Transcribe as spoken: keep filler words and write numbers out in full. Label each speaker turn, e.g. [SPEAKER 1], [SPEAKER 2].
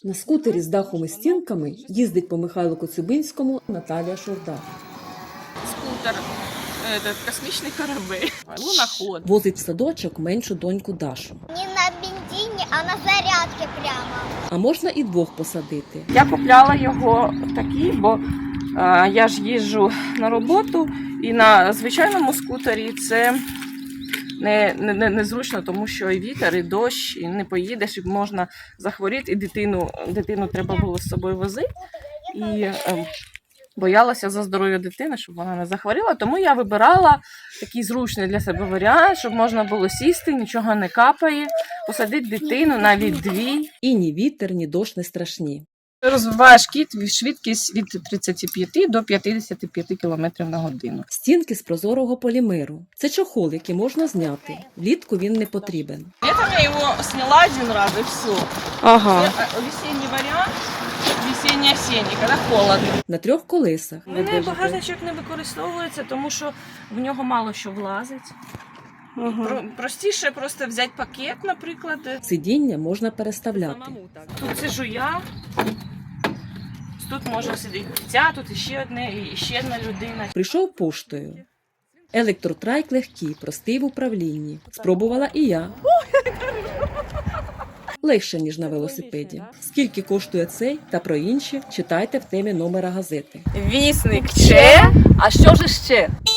[SPEAKER 1] На скутері з дахом і стінками їздить по Михайлу Коцюбинському Наталія Шурда.
[SPEAKER 2] Скутер, этот, космічний корабель, луноход.
[SPEAKER 1] Возить в садочок меншу доньку Дашу.
[SPEAKER 3] Не на бензині, а на зарядці прямо.
[SPEAKER 1] А можна і двох посадити.
[SPEAKER 2] Я купляла його такий, бо а, я ж їжджу на роботу, і на звичайному скутері це не, не, незручно, тому що і вітер, і дощ, і не поїдеш, і можна захворіти, і дитину, дитину треба було з собою возити. І е, боялася за здоров'я дитини, щоб вона не захворіла, тому я вибирала такий зручний для себе варіант, щоб можна було сісти, нічого не капає, посадити дитину, навіть дві.
[SPEAKER 1] І ні вітер, ні дощ не страшні.
[SPEAKER 2] Розвиваєш кіт швидкість від тридцяти п'яти до п'ятдесяти п'яти кілометрів на годину.
[SPEAKER 1] Стінки з прозорого полімеру. Це чохол, який можна зняти. Влітку він не потрібен.
[SPEAKER 2] Летом я його зняла один раз і все.
[SPEAKER 1] Ага.
[SPEAKER 2] Це весенній варіант, весенній-осінній, коли холодно.
[SPEAKER 1] На трьох колесах.
[SPEAKER 2] У мене багажничок не використовується, тому що в нього мало що влазить.
[SPEAKER 1] Ага.
[SPEAKER 2] Про- простіше просто взяти пакет, наприклад.
[SPEAKER 1] Сидіння можна переставляти.
[SPEAKER 2] Тут сижу я, тут може сидіти ця, тут іще одне, і ще одна людина.
[SPEAKER 1] Прийшов поштою. Електротрайк легкий, простий в управлінні. Спробувала і я. Легше, ніж на велосипеді. Скільки коштує цей та про інші, читайте в темі номера газети.
[SPEAKER 2] Вісник ще, а що ж ще?